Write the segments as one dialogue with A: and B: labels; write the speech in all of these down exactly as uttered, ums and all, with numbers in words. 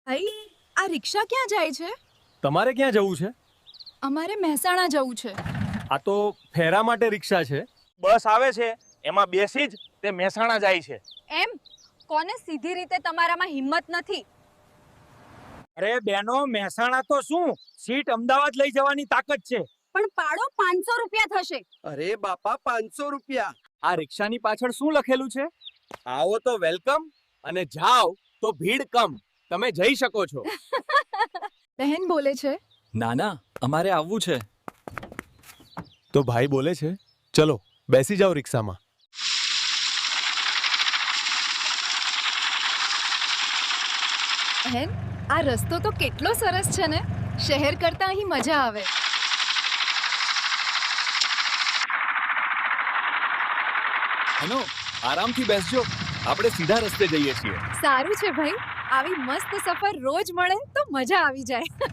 A: ભાઈ આ રિક્ષા ક્યાં જાય છે?
B: તમારે ક્યાં જવું છે?
A: અમારે મહેસાણા જવું છે.
B: આ તો ફેરા માટે રિક્ષા છે.
C: બસ આવે છે એમાં બેસી જ તે મહેસાણા જાય છે.
A: એમ કોને સીધી રીતે તમારામાં હિંમત નથી?
C: અરે બેનો, મહેસાણા તો શું, સીટ અમદાવાદ લઈ જવાની તાકાત છે.
A: પણ પાડો પાંચસો રૂપિયા થશે.
D: અરે બાપા, પાંચસો રૂપિયા.
B: આ રિક્ષાની પાછળ શું લખેલું છે?
C: આવો તો વેલકમ અને જાઓ તો ભીડ કમ. તમે જઈ શકો છો.
A: બહેન બોલે છે.
E: ના ના, અમારે આવવું છે.
B: તો ભાઈ બોલે છે ચલો બેસી જાઓ રિક્ષામાં.
A: બહેન આ રસ્તો તો કેટલો સરસ છે ને. શહેર કરતા અહીં મજા આવે.
B: હનો આરામથી બેસજો, આપણે સીધા રસ્તે જઈએ છીએ.
A: સારું છે ભાઈ, આવી મસ્ત સફર રોજ મળે તો મજા આવી જાય.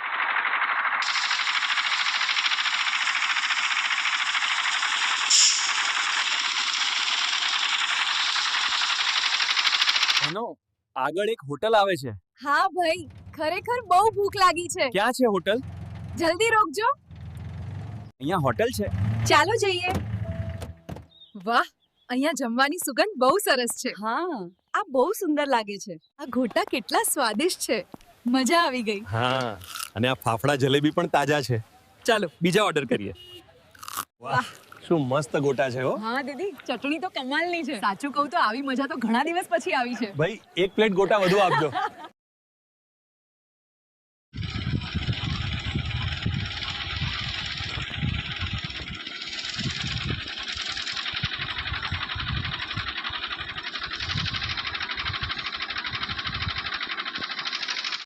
B: હનો આગળ એક હોટલ આવે છે.
A: હા ભાઈ, ખરેખર બહુ ભૂખ લાગી છે.
B: ક્યાં છે હોટલ?
A: જલ્દી રોકજો.
B: અહીંયા હોટલ છે.
A: ચાલો જઈએ. વાહ, અહીંયા જમવાની સુગંધ બહુ સરસ છે. હા, આ બહુ સુંદર લાગે છે. આ ઘોટા કેટલા સ્વાદિષ્ટ છે. મજા આવી ગઈ.
B: હા, અને આ ફાફડા જલેબી પણ તાજા છે. ચાલો બીજા ઓર્ડર કરીએ. વાહ, શું મસ્ત ગોટા છે હો.
A: હા દીદી, ચટણી તો કમાલની છે. સાચું કહું તો આવી મજા તો ઘણા દિવસ પછી આવી છે.
B: ભાઈ એક પ્લેટ ગોટા વધુ આપજો.